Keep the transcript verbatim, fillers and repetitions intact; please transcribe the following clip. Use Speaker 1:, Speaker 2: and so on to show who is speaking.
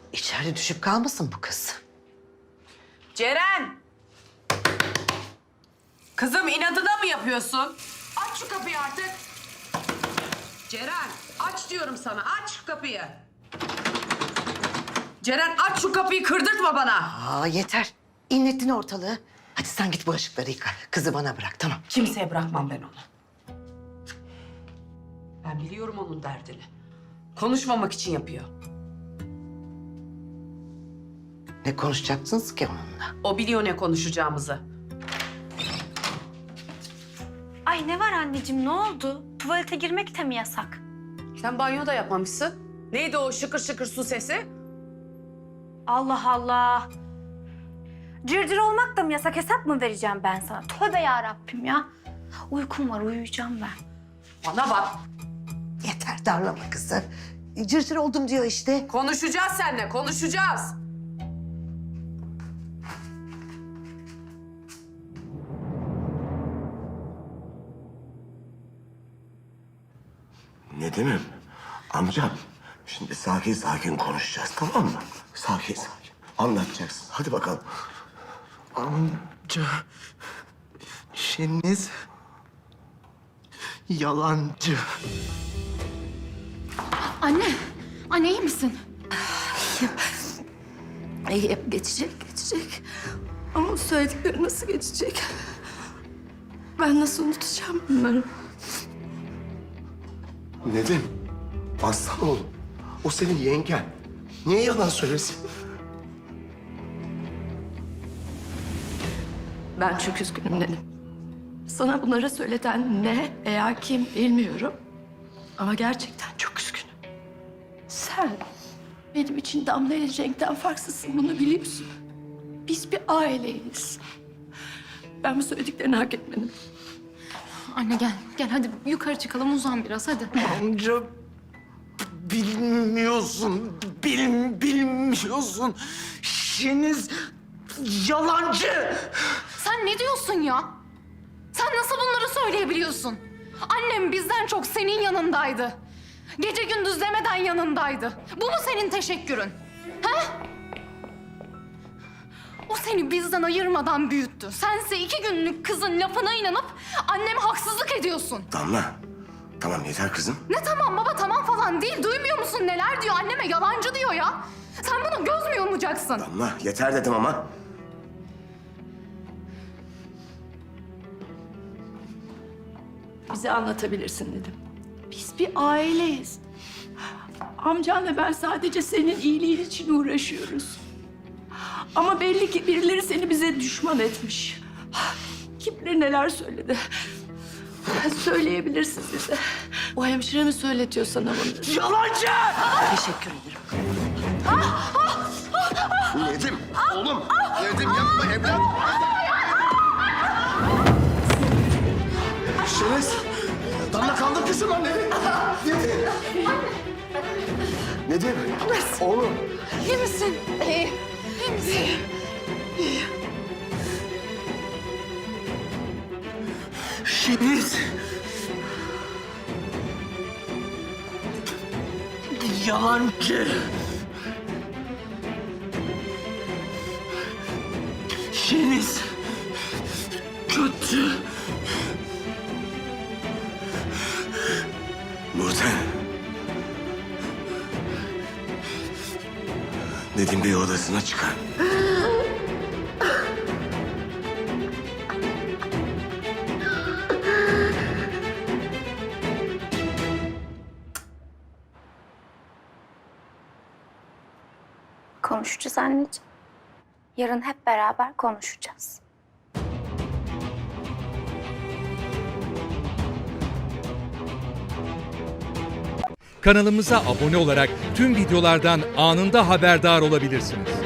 Speaker 1: İçeride düşüp kalmasın bu kız.
Speaker 2: Ceren! Kızım inadına mı yapıyorsun? Aç şu kapıyı artık. Ceren aç diyorum sana, aç şu kapıyı. Ceren aç şu kapıyı, kırdırtma bana.
Speaker 1: Aa yeter. İnlettin ortalığı. Hadi sen git bulaşıkları yıka. Kızı bana bırak tamam.
Speaker 2: Kimseye bırakmam ben onu. Ben biliyorum onun derdini. Konuşmamak için yapıyor.
Speaker 1: Ne konuşacaksınız ki onunla?
Speaker 2: O biliyor ne konuşacağımızı.
Speaker 3: Ay ne var anneciğim, ne oldu? Tuvalete girmek de mi yasak?
Speaker 2: Sen banyo da yapmamışsın. Neydi o şıkır şıkır su sesi?
Speaker 3: Allah Allah. Cırcır olmak da mı yasak? Hesap mı vereceğim ben sana? Tövbe ya Rabbim ya. Uykum var, uyuyacağım ben.
Speaker 2: Bana bak.
Speaker 1: Yeter darlama kızı. Cırcır oldum diyor işte.
Speaker 2: Konuşacağız seninle, konuşacağız.
Speaker 4: Nedim'im, amcam. Şimdi sakin sakin konuşacağız, tamam mı? Sakin sakin. Anlatacaksın. Hadi bakalım.
Speaker 5: Amca, Şeniz yalancı.
Speaker 6: Anne, anne iyi misin?
Speaker 7: İyi, geçecek, geçecek. Ama o söyledikleri nasıl geçecek? Ben nasıl unutacağım bunları?
Speaker 4: Nedim, aslan oğlum. O senin yengen. Niye yalan söylesin?
Speaker 7: Ben çok üzgünüm dedim. Sana bunları söyleten ne veya kim bilmiyorum. Ama gerçekten çok üzgünüm. Sen benim için Damla ile Cenk'ten farksızsın, bunu biliyorsun. Biz bir aileyiz. Ben bu söylediklerini hak etmedim.
Speaker 6: Anne gel, gel hadi yukarı çıkalım, uzan biraz hadi.
Speaker 5: Amca, bilmiyorsun, bil, bilmiyorsun. Şeniz yalancı.
Speaker 6: Sen ne diyorsun ya? Sen nasıl bunları söyleyebiliyorsun? Annem bizden çok senin yanındaydı. Gece gündüz demeden yanındaydı. Bu mu senin teşekkürün? Ha? O seni bizden ayırmadan büyüttü. Sense iki günlük kızın lafına inanıp anneme haksızlık ediyorsun.
Speaker 4: Damla, tamam yeter kızım.
Speaker 6: Ne tamam baba, tamam falan değil. Duymuyor musun neler diyor? Anneme yalancı diyor ya. Sen buna göz mü yumacaksın?
Speaker 4: Damla, yeter dedim ama.
Speaker 7: Bize anlatabilirsin dedim. Biz bir aileyiz. Amcanla ben sadece senin iyiliğin için uğraşıyoruz. Ama belli ki birileri seni bize düşman etmiş. Kim bilir neler söyledi. Söyleyebilirsin bize. O hemşire mi söyletiyor sana bunu?
Speaker 5: Yalancı!
Speaker 1: Teşekkür ederim.
Speaker 4: Nedim, oğlum. Nedim yapma evlat. Şeniz, Damla kaldır kızım lan Nedim. Nedim, oğlum.
Speaker 6: İyi misin? İyi. İyi misin?
Speaker 5: Şeniz yalancı. Şeniz kötü.
Speaker 4: Nurten. Nedim Bey odasına çıkar.
Speaker 3: Konuşacağız anneciğim. Yarın hep beraber konuşacağız.
Speaker 8: Kanalımıza abone olarak tüm videolardan anında haberdar olabilirsiniz.